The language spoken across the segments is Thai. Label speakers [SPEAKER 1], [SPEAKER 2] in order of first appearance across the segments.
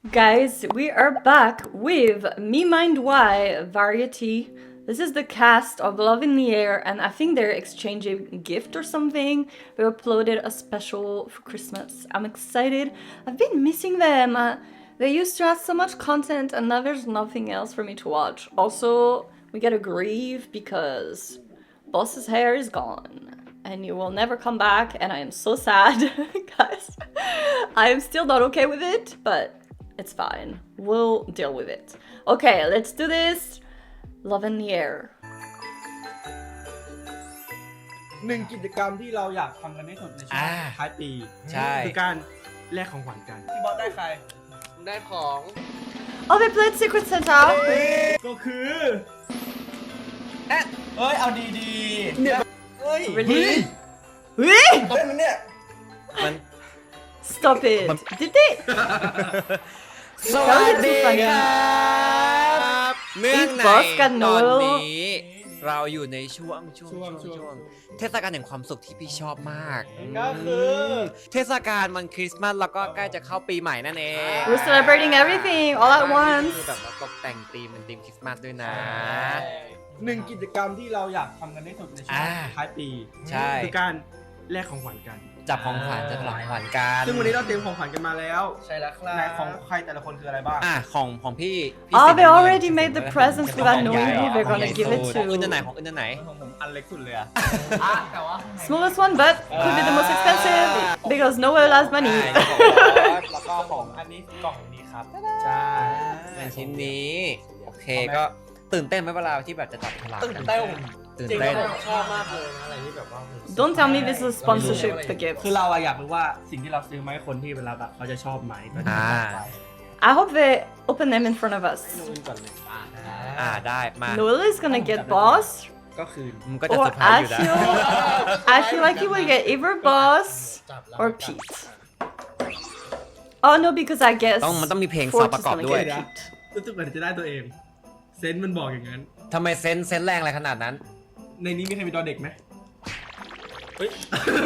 [SPEAKER 1] Guys, we are back with Me Mind Why Variety. This is the cast of Love in the Air, and I think they're exchanging a gift or something. We uploaded a special for Christmas. I'm excited. I've been missing them. They used to have so much content, and now there's nothing else for me to watch. Also, we gotta grieve because Boss's hair is gone. And you will never come back, and I am so sad, guys. I am still not okay with it, but it's fine. We'll deal with it. Okay, let's do this. Love in the air.
[SPEAKER 2] หนึ่งกิจกรรมที่เราอยากทำกันที่สุดในช่วงท้ายปี
[SPEAKER 3] ใช่
[SPEAKER 2] คือการแลกของขวัญกันพี่บอสได้ใคร
[SPEAKER 3] ได้ของ
[SPEAKER 1] Oh, they played Secret Santa.
[SPEAKER 2] ก็คือ
[SPEAKER 3] เอ้ยเอาดีๆเนี่ยเฮ้ย
[SPEAKER 1] Really?
[SPEAKER 3] ต้นเนี่ยมัน
[SPEAKER 1] Stop it. Did they?
[SPEAKER 3] สวัสดีครับเนื่องใน
[SPEAKER 1] Boss กัน
[SPEAKER 3] ต
[SPEAKER 1] เน
[SPEAKER 3] อ
[SPEAKER 1] อะ
[SPEAKER 3] นนี้เราอยู่ในช่วงเทศกาลแห่งความสุขที่พี่ชอบมาก
[SPEAKER 2] ก็คือ
[SPEAKER 3] เทศกาลมันคริสต์มาสแล้วก็ใกล้จะเข้าปีใหม่นั่นเอง
[SPEAKER 1] We're celebrating everything all at
[SPEAKER 3] คือ
[SPEAKER 1] once.
[SPEAKER 3] แบบว่าตกแต่งธีมเป็นธีมคริสต์มาสด้วยนะ
[SPEAKER 2] หนึ่งกิจกรรมที่เราอยากทำกันที่สุดในช่วงท้ายปี
[SPEAKER 3] ใช่
[SPEAKER 2] คือการแลกของขวัญกัน
[SPEAKER 3] จับของขวัญจะถลองขวัญกัน
[SPEAKER 2] ซึ่งวันนี้เราเตรียมของขวัญกันมาแล้ว
[SPEAKER 3] ใช่แล้วครับ
[SPEAKER 2] ในของใครแต่ละคนคืออะไรบ้าง
[SPEAKER 3] ของพี่
[SPEAKER 1] Oh,
[SPEAKER 3] สิงห์
[SPEAKER 1] they
[SPEAKER 3] บุญ
[SPEAKER 1] already made the presents without knowing who they're
[SPEAKER 3] ของ
[SPEAKER 1] gonna give it
[SPEAKER 3] ของอื่น
[SPEAKER 1] to.
[SPEAKER 3] อันไหนของอื่นอันไหน
[SPEAKER 2] ของผมอันเล็กสุดเลยอะ
[SPEAKER 3] แต่ว่า
[SPEAKER 1] Smallest one, but could be the most expensive because nowhere has money.
[SPEAKER 3] แล้วก็ของ
[SPEAKER 2] อันนี้กล่องนี้ครับใช่
[SPEAKER 3] เป็นชิ้นนี้โอเคก็ตื่นเต้นไหมเวลาที่แบบจะจับฉลาก
[SPEAKER 2] ตื่นเต้น
[SPEAKER 3] ตื่น
[SPEAKER 2] จริง
[SPEAKER 3] เต้น
[SPEAKER 2] ๆชอบมากเลยนะอะไรที่แบบว่า
[SPEAKER 1] Don't tell me this is sponsorship, the gift.
[SPEAKER 2] คือเราอะอยากรู้ว่าสิ่งที่เราซื้อมาให้คนที่เวลาแบบเขาจะชอบไหมก็จะไป
[SPEAKER 1] I hope they open them in front of us.
[SPEAKER 2] นู่นก่อนเลย
[SPEAKER 3] ได้มา
[SPEAKER 1] Noel is gonna get Boss,
[SPEAKER 2] ก็คือ
[SPEAKER 3] มันก็จะ
[SPEAKER 1] or
[SPEAKER 3] เซอร์ไพรส์อยู่นะ
[SPEAKER 1] I feel like he will get either Boss or Pete. Oh no, because I guess
[SPEAKER 3] มันต้องมีเพลงซาว
[SPEAKER 1] Forge
[SPEAKER 3] ประ
[SPEAKER 1] is
[SPEAKER 3] กอบ
[SPEAKER 1] gonna
[SPEAKER 3] ด้วย
[SPEAKER 1] get Pete.
[SPEAKER 2] รู้สึกเหมือนจะได้ตัวเอง เซนส์มันบอกอย่างนั้น
[SPEAKER 3] ทำไมเซนส์แรงอะไรขนาดนั้น
[SPEAKER 2] ในนี้มีใครมีดอเด็กไหมเฮ้ย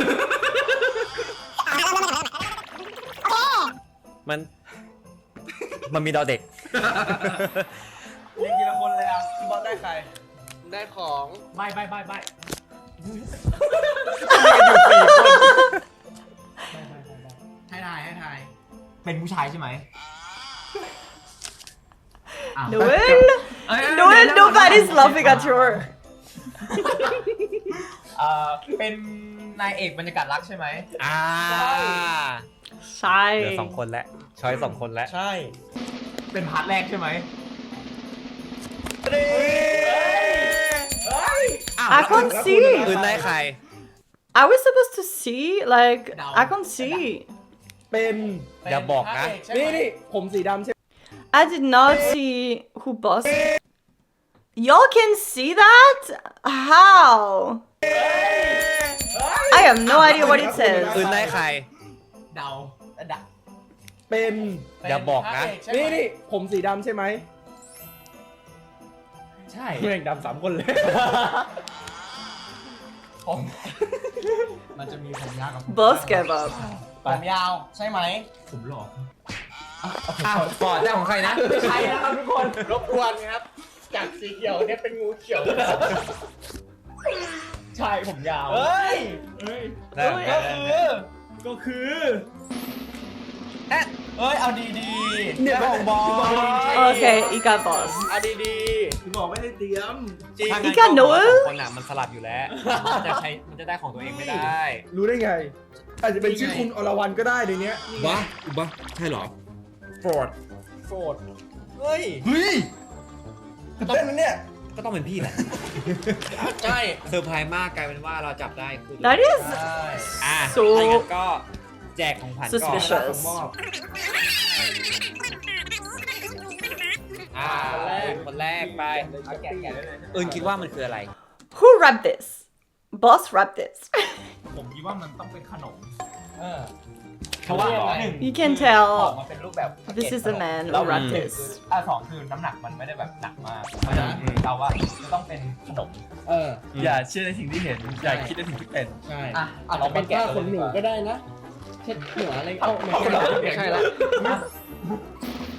[SPEAKER 3] มันมีดอเด็ก
[SPEAKER 2] เรียกทีละคนเลยอ่ะพี่บอสได้ใคร
[SPEAKER 3] ได้ของ
[SPEAKER 2] ใบให้ทายเป็นผู้ชายใช่ไหม
[SPEAKER 1] Noel, Noel, nobody's laughing at you.
[SPEAKER 2] เป็นนายเอกบรรยากาศรักใช่ไหม
[SPEAKER 3] เหลือ
[SPEAKER 1] Shy.
[SPEAKER 3] 2 คนแล้วช้อย2 คนแล้ว
[SPEAKER 2] ใช่ เป็นพาร์ทแรกใช่ไหม
[SPEAKER 1] I can't see.
[SPEAKER 3] อื่นได้ใคร
[SPEAKER 1] Are we supposed to see? Like, I can't see.
[SPEAKER 2] เป็น
[SPEAKER 3] อย่าบอกนะ
[SPEAKER 2] นี่ผมสีดำใช่ไหม
[SPEAKER 1] I did not see who Boss. Y'all can see that? How? I have no idea what it
[SPEAKER 3] อื่น
[SPEAKER 1] says.
[SPEAKER 3] ได้ใคร
[SPEAKER 2] เดาเป็น
[SPEAKER 3] อย่าบอกนะ
[SPEAKER 2] นี่ผมสีดำใช่ไหม ใช่เม่งดำ3 คนเลย มันจะมีผมยาวกับ
[SPEAKER 1] Boss gave up.
[SPEAKER 2] ผมยาวใช่ไหมผมหลอก
[SPEAKER 3] ฟอร์ดได้ของใครนะ
[SPEAKER 2] ใช่นะครับทุกคนรบกวนครับ จากสีเขียวเนี่ยเป็นงูเขียว ใช่ผมยาวเฮ้ย
[SPEAKER 3] ได้
[SPEAKER 2] ก็คือ
[SPEAKER 3] เอ้ยเอาดี
[SPEAKER 2] เนี่ยของบอล
[SPEAKER 1] Okay, he got Boss.
[SPEAKER 2] เอาดีๆบอกไม่ได้เตรียมจริง
[SPEAKER 1] อีกอันหนู
[SPEAKER 3] คนอ่ะมันสลับอยู่แล้ว มันจะได้ของตัวเองไม่ได้
[SPEAKER 2] รู้ได้ไง อาจจะเป็นชื่อคุณอรวรรณก็ได้ในเนี้ย
[SPEAKER 4] บ้าใช่เหรอ
[SPEAKER 2] โฟร์ดเฮ้ยก็ต้องเนี่ย
[SPEAKER 3] ก็ต้องเป็นพี่แหละ
[SPEAKER 2] ใช่
[SPEAKER 3] เซอร์ไพรส์มากกลายเป็นว่าเราจับได้คือ
[SPEAKER 1] That is
[SPEAKER 3] ถ้าอย่างนั้
[SPEAKER 1] so
[SPEAKER 3] นก็แจกของขวัญก่อน
[SPEAKER 1] suspicious.
[SPEAKER 3] คนแรกไปอื่นคิดว่ามันคืออะไร
[SPEAKER 1] Who wrapped this? Boss wrapped this.
[SPEAKER 2] ผมคิดว่ามันต้องเป็นขนม
[SPEAKER 3] เพราะว่า
[SPEAKER 1] You can
[SPEAKER 5] ออก
[SPEAKER 1] tell
[SPEAKER 5] มาเป็นรูปแบบ
[SPEAKER 1] this is the man who wrapped this.
[SPEAKER 5] 2คือน้ำหนักมันไม่ได้แบบหนักมากเพราะฉะนั้นเราว่าจะต้องเป็นขนม
[SPEAKER 2] อย่าเชื่อในสิ่งที่เห็น อย่าคิดในสิ่งที่เป็น ใช่
[SPEAKER 5] เราเป็นแกะขนหนูก็ได้นะ
[SPEAKER 2] เช็ดหัวอะไร
[SPEAKER 5] ไม่ใช่ละ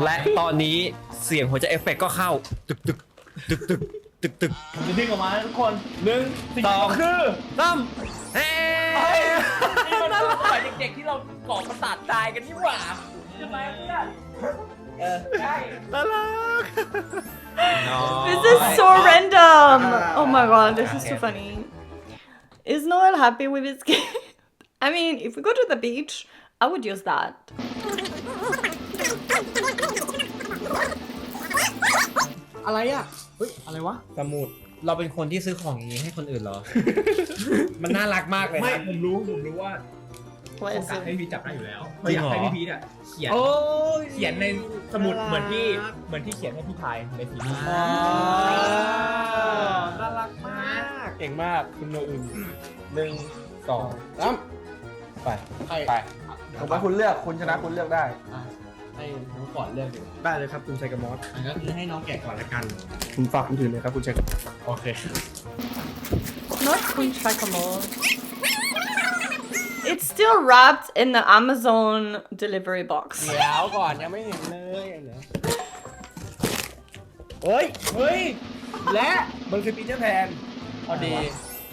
[SPEAKER 3] และตอนนี้เสียงหัวใจเอฟเฟกต์ก็เข้าตึกตึกตึกตึกตึกตึก
[SPEAKER 2] ผมจะดึงออกมานะทุกคนหนึ่งสิ่งที่ต้องคือ
[SPEAKER 3] ตั้มเฮ้
[SPEAKER 2] นี่มันสมัยเด็กๆที่เราก่อประสาทตายกันนี่หว่าใช่ไหมเพื่อนใช่
[SPEAKER 3] น่ารัก
[SPEAKER 1] This is so random. Oh my god, this is too funny. Is Noel happy with his gift? I mean, if we go to the beach, I would use that.
[SPEAKER 2] อะไรอ่ะเฮ้ยอะไรวะ
[SPEAKER 3] สมุดเราเป็นคนที่ซื้อของอย่างนี้ให้คนอื่นเหรอ มันน่ารักมากเลย
[SPEAKER 2] ไม่
[SPEAKER 3] นะ
[SPEAKER 2] ผมรู้ว่า
[SPEAKER 1] What
[SPEAKER 2] โอ
[SPEAKER 1] is
[SPEAKER 2] กาสให้
[SPEAKER 1] it?
[SPEAKER 2] พี่จับได้อยู่แล้ว
[SPEAKER 3] จริงเหรอ
[SPEAKER 2] อยากให้พี่พีทอ่ะเขียน
[SPEAKER 3] โอ้ย
[SPEAKER 2] เขียนในสมุดเหมือนที่เขียนให้พี่พายในทีวี
[SPEAKER 3] น่ารักมาก
[SPEAKER 2] เก่งมากคุณโนอึน1 2 3ไปไป
[SPEAKER 6] ผมว่าคุณเลือกคุณชนะคุณเลือกได้
[SPEAKER 2] ให้น้องก่อนเลือกดีกว่า
[SPEAKER 6] ได้เลยครับคุณชัยกมอส
[SPEAKER 2] ก็คือให้น้องแกะก่อนละกัน
[SPEAKER 6] คุณฝากคุณถือเลยครับคุณชัยกมอส
[SPEAKER 2] โอเค
[SPEAKER 1] Not Queen Chacamole. It's still wrapped in the Amazon delivery box.
[SPEAKER 2] เดี๋ยวก่อนยังไม่เห็นเลยเหรอเฮ้ยและมันคือปีเตอร์แพนพอดี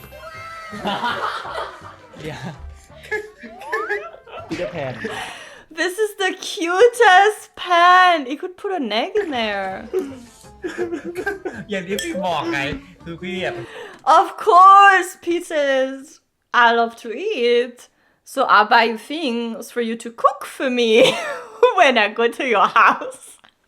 [SPEAKER 2] เดี๋ยวปีเตอร์แพน
[SPEAKER 1] This is the cutest pen. You could put an egg in there.
[SPEAKER 3] อย่างที่พี่บอกไง คือพี่อ่ะ
[SPEAKER 1] Of course, pizzas. I love to eat. So I buy you things for you to cook for me when I go to your house.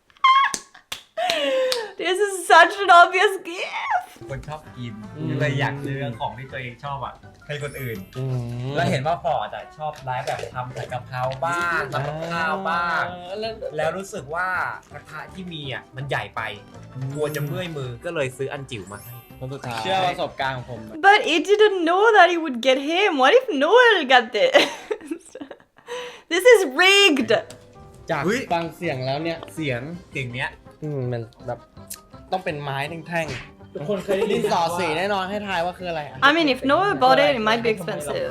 [SPEAKER 1] This is such an obvious gift.
[SPEAKER 3] คนชอบกินเลยอยากซื้อของที่ตัวเองชอบอ่ะให้คนอื่น แล้วเห็นว่าฟอร์ดอ่ะชอบไลฟ์แบบทำใส่กะเพราบ้างทำกับข้าวบ้าง แล้วรู้สึกว่ากระทะที่มีอ่ะมันใหญ่ไปกลัวจะเมื่อยมือก็เลยซื้ออันจิ๋วมาให้คนสุดท้าย
[SPEAKER 2] เชื่อประสบการณ์ของผม
[SPEAKER 1] But he didn't know that he would get him. What if Noel got this? This is rigged.
[SPEAKER 2] จาก
[SPEAKER 3] เฮ้ย
[SPEAKER 2] ฟังเสียงแล้วเนี่ย
[SPEAKER 3] เสียงเก่งเนี้ย
[SPEAKER 2] มันแบบต้องเป็นไม้แท่งๆทุกคนเคยได้ยินสอสีแน่นอนให้ทายว่าคืออะไร
[SPEAKER 1] I mean, if Noel bought it, it might be expensive.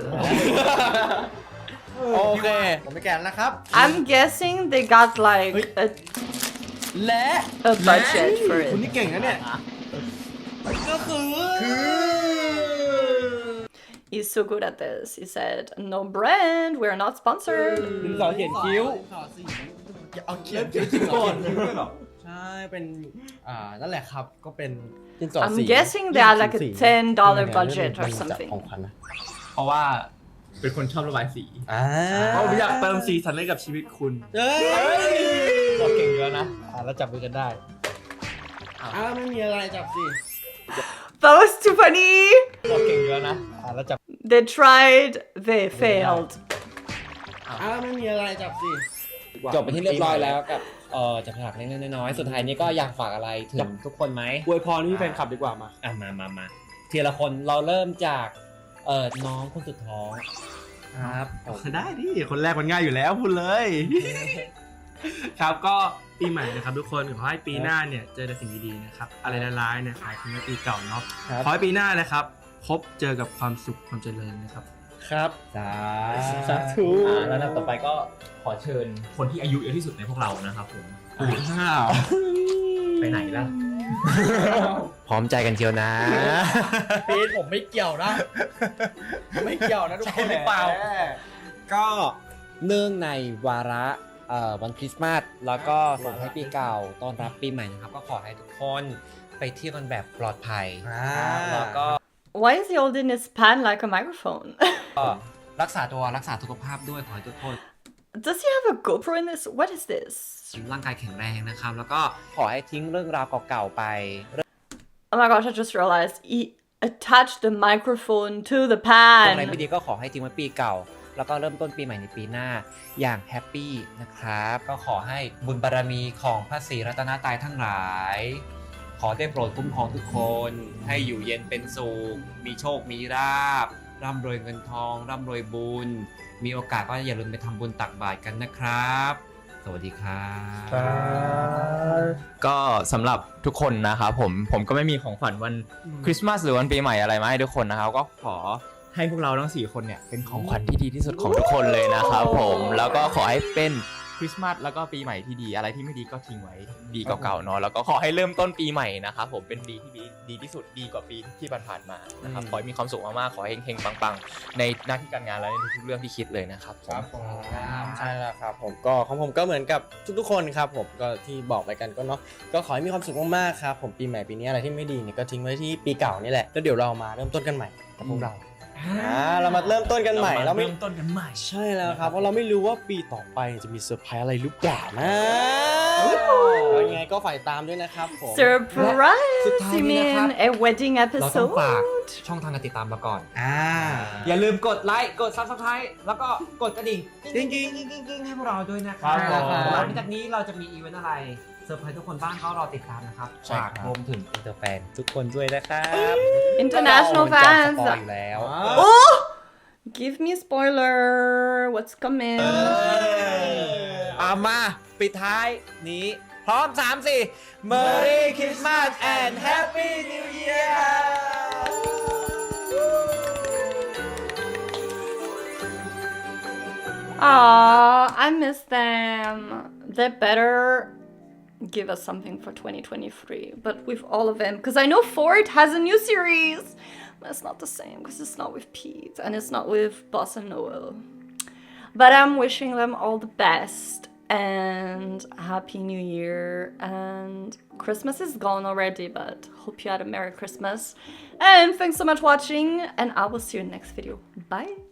[SPEAKER 2] โอเค ผมไปแกะนะครับ
[SPEAKER 1] I'm guessing they got like
[SPEAKER 2] และ
[SPEAKER 1] a budget for
[SPEAKER 2] คุณ
[SPEAKER 1] it.
[SPEAKER 2] นี่เก่งนะเนี่ย ก็คือ
[SPEAKER 1] He's so good at this. He said, "No brand. We're not sponsored."
[SPEAKER 2] ดินสอเขียนคิ้วเอาเขียนคิ้วก่อนใช่ เป็น นั่นแหละครับ ก็เป็นดินสอ
[SPEAKER 1] I'm
[SPEAKER 2] สี
[SPEAKER 1] guessing they had like a $10 budget or
[SPEAKER 2] เป็น
[SPEAKER 1] something.
[SPEAKER 2] ของขวัญนะ
[SPEAKER 6] เพราะว่าเป็นคนชอบระบายสี ผมอยากเติมสีสันให้กับชีวิตคุณ
[SPEAKER 2] เฮ้ย
[SPEAKER 6] เราเก่งเยอะนะ
[SPEAKER 2] แล้วจับมือกันได้ไม่มีอะไรจับสิ
[SPEAKER 1] That was too funny.
[SPEAKER 6] เราเก่งเยอะนะ
[SPEAKER 2] แล้วจับ
[SPEAKER 1] They tried. They failed.
[SPEAKER 2] ไม่มีอะไรจับสิ
[SPEAKER 3] จบไปที่เรียบร้อยแล้วกับจับฉลากเล็กๆน้อยๆสุดท้ายนี้ก็อยากฝากอะไรถึงทุกคนไหม
[SPEAKER 6] อวยพรที่แฟนคลับดีกว่ามา
[SPEAKER 3] มาทีละคนเราเริ่มจากน้องคนสุดท้อง
[SPEAKER 6] ครับได้ดิคนแรกมันง่ายอยู่แล้วพูดเลย ครับก็ปีใหม่นะครับทุกคนขอให้ปีหน้าเนี่ยเจอแต่สิ่งดีๆนะครับอะไรร้ายๆเนี่ยขายทิ้งไว้ปีเก่าเนาะขอให้ปีหน้านะครับพบเจอกับความสุขความเจริญนะครับ
[SPEAKER 2] ครับ
[SPEAKER 3] สาธุ
[SPEAKER 5] แล้วต่อไปก็ขอเชิญคนที่อายุเยอะที่สุดในพวกเรานะครับผม ไปไหนล่ะ
[SPEAKER 3] พร้อมใจกันเชียวนะ
[SPEAKER 2] พีทผมไม่เกี่ยวนะ ไม่เกี่ยวนะทุกคน
[SPEAKER 3] ใช่หรือเปล่า ก็เนื่องในวาระวันคริสต์มาสแล้วก็ส่งให้ปีเก่าต้อนรับปีใหม่นะครับ ก็ขอให้ทุกคนไปเที่ยวกันแบบปลอดภัยแล้วก็
[SPEAKER 1] Why is he holding his pen like a microphone?
[SPEAKER 3] รักษาตัวรักษาสุขภาพด้วยขอให้ทุกคน
[SPEAKER 1] Does he have a GoPro in this? What is this?
[SPEAKER 3] ร่างกายแข็งแรงนะครับ แล้วก็ขอให้ทิ้งเรื่องราวเก่าๆไป
[SPEAKER 1] Oh my gosh, I just realized he attached the microphone to the
[SPEAKER 3] ตรงไหน
[SPEAKER 1] pan.
[SPEAKER 3] ไม่ดีก็ขอให้ทิ้งไว้ปีเก่า แล้วก็เริ่มต้นปีใหม่ในปีหน้าอย่างแฮปปี้นะครับ ก็ขอให้บุญบารมีของพระศรีรัตนตรัยทั้งหลาย ขอได้โปรดคุ้มครองทุกคน ให้อยู่เย็นเป็นสุข มีโชค มีราภร่ำรวยเงินทอง ร่ำรวยบุญ มีโอกาสก็อย่าลืมไปทำบุญตักบาตรกันนะครับ สวัสดีครับ
[SPEAKER 5] ก็สำหรับทุกคนนะครับผมก็ไม่มีของขวัญวันคริสต์มาสหรือวันปีใหม่อะไรมาให้ทุกคนนะครับก็ขอให้พวกเราทั้ง4คนเนี่ยเป็นของขวัญที่ดีที่สุดของทุกคนเลยนะครับผมแล้วก็ขอให้เป็นริสต์มาสแล้วก็ปีใหม่ที่ดีอะไรที่ไม่ดีก็ทิ้งไว้ปีเก่าๆเนาะแล้วก็ขอให้เริ่มต้นปีใหม่นะครับผมเป็นปีที่ดีที่สุดดีกว่าปีที่ผ่านๆมานะครับขอให้มีความสุขมากๆขอให้เฮงๆปังๆในหน้าที่การงานและในทุกๆเรื่องที่คิดเลยนะครับผม
[SPEAKER 2] ใช่แล้วครับผมก็ของผมก็เหมือนกับทุกๆคนครับผมก็ที่บอกไปกันก็เนาะก็ขอให้มีความสุขมากๆครับผมปีใหม่ปีนี้อะไรที่ไม่ดีเนี่ยก็ทิ้งไว้ที่ปีเก่านี่แหละแล้วเดี๋ยวเรามาเริ่มต้นกันใหม่กับพวกเราเรามาเริ่มต้นกันใหม่เราไม่
[SPEAKER 6] เริ่มต้นกันใหม่
[SPEAKER 2] ใช่แล้วครับเพราะเราไม่รู้ว่าปีต่อไปจะมีเซอร์ไพรส์อะไรหรือเปล่านะยังไงก็ฝ่ายตามด้วยนะครับผม
[SPEAKER 1] Surprise!
[SPEAKER 3] สุดท้าย
[SPEAKER 1] You
[SPEAKER 3] นี้นะครับ
[SPEAKER 1] mean a wedding
[SPEAKER 3] เราต้องฝาก
[SPEAKER 1] episode?
[SPEAKER 3] ช่องทางการติดตามมาก่อน
[SPEAKER 6] อย่า
[SPEAKER 3] อย่าลืมกดไลค์ กด Subscribe แล้วก็กดกระดิ่งกิ๊งกิ๊งกิ๊งกิ๊งกิ๊งให้พวกเราด้วยนะครับ
[SPEAKER 6] ครับผม
[SPEAKER 3] หลังจากนี้เราจะมีอีเวนต์อะไรเซอร์ไพรส์ทุกคนบ้างก็รอติดตามนะครับ
[SPEAKER 2] ใช่ครั
[SPEAKER 3] ฝา
[SPEAKER 2] บ
[SPEAKER 3] กรวมถึงอินเตอร์แฟนทุกคนด้วยนะครับ
[SPEAKER 1] International
[SPEAKER 3] เราจะส
[SPEAKER 1] fans.
[SPEAKER 3] ปอยอยู่แล้ว
[SPEAKER 1] Oh! Give me spoiler. What's coming?
[SPEAKER 3] เอามาปิดท้ายนี้พร้อม 3-4 Merry Christmas and Happy New Year
[SPEAKER 1] Aw, I miss them. They better give us something for 2023, but with all of them, because I know Ford has a new series, but it's not the same because it's not with Pete and it's not with Boss and Noel. But I'm wishing them all the best and Happy New Year. And Christmas is gone already, but hope you had a Merry Christmas. And thanks so much for watching, and I will see you in the next video. Bye.